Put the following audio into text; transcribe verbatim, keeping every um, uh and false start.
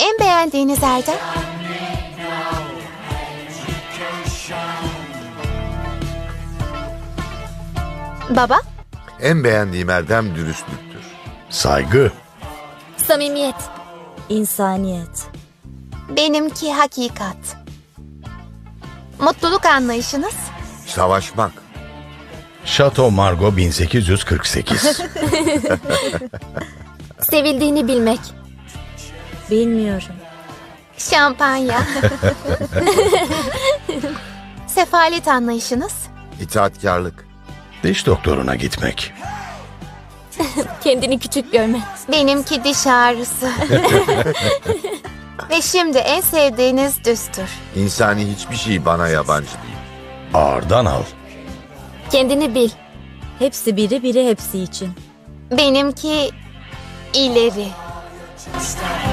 En beğendiğiniz erdem? Baba? En beğendiğim erdem dürüstlüktür. Saygı. Samimiyet. İnsaniyet. Benimki hakikat. Mutluluk anlayışınız? Savaşmak. Chateau Margaux bin sekiz yüz kırk sekiz. Sevildiğini bilmek. Bilmiyorum. Şampanya. Sefalet anlayışınız? İtaatkarlık. Diş doktoruna gitmek. Kendini küçük görme. Benimki diş ağrısı. Ve şimdi en sevdiğiniz düstur. İnsani hiçbir şey bana yabancı değil. Ağırdan al. Kendini bil. Hepsi biri, biri hepsi için. Benimki ileri.